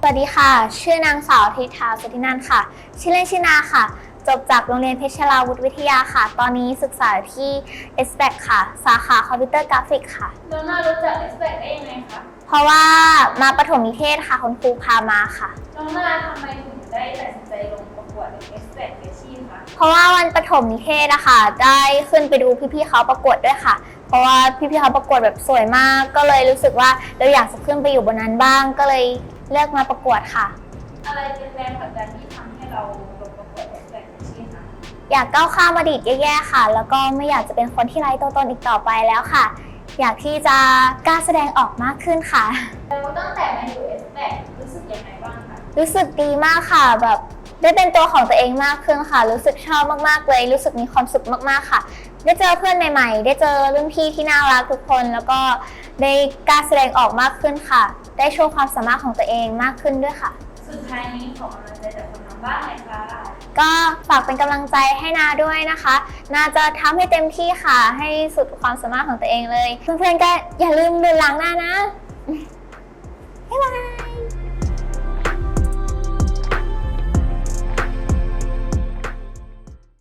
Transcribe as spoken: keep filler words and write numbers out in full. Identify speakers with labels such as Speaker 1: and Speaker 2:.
Speaker 1: วัสดีค่ะชื่อนางสาวธิธาสุธินันท์ค่ะชื่อเล่นชื่อนาค่ะจบจากโรงเรียนเพชรลาวุธวิทยาค่ะตอนนี้ศึกษาที่ เอส แบค ค่ะสาขาคอมพิวเตอร์กราฟิกค่ะ
Speaker 2: น้องนารู้จัก เอส แบค ได้ยังไงคะ
Speaker 1: เพราะว่ามาประถมนิเทศค่ะคุณครูพามาค่ะ
Speaker 2: น้องนาทำไมถึงได้ตัดสินใจลงประกวด เอส แบค Freshie คะ
Speaker 1: เพราะว่าวันประถมนิเทศอะค่ะได้ขึ้นไปดูพี่ๆเขาประกวดด้วยค่ะเพราะว่าพี่ๆเขาประกวดแบบสวยมากก็เลยรู้สึกว่าเราอยากจะขึ้นไปอยู่บนนั้นบ้างก็เลยเลือกมาประกวดค่ะ
Speaker 2: อะไรเป็นแรงผลักดันที่ทำให้เราลงประกวด เอส แบค Freshie คะ
Speaker 1: อยากก้าวข้ามอดีตแย่ๆค่ะแล้วก็ไม่อยากจะเป็นคนที่ไร้ตัวตนอีกต่อไปแล้วค่ะอยากที่จะกล้าแสดงออกมากขึ้นค่ะ
Speaker 2: แล้วตั้งแต่มาอยู่ เอส แบค รู้สึกยังไงบ้างคะ
Speaker 1: รู้สึกดีมากค่ะแบบได้เป็นตัวของตัวเองมากขึ้นค่ะรู้สึกชอบมากๆเลยรู้สึกมีความสุขมากๆค่ะได้เจอเพื่อนใหม่ๆได้เจอรุ่นพี่ที่น่ารักทุกคนแล้วก็ได้กล้าแสดงออกมากขึ้นค่ะได้โชว์ความสามารถของตัวเองมากขึ้นด้วยค่ะ
Speaker 2: สุดท้ายนี้ขอกำลังใจจากคนทางบ้านหน่อยค่ะ
Speaker 1: ก็ฝากเป็นกำลังใจให้นาด้วยนะคะนาจะทำให้เต็มที่ค่ะให้สุดความสามารถของตัวเองเลยเพื่อนๆก็อย่าลืมดูหลังหน้านะ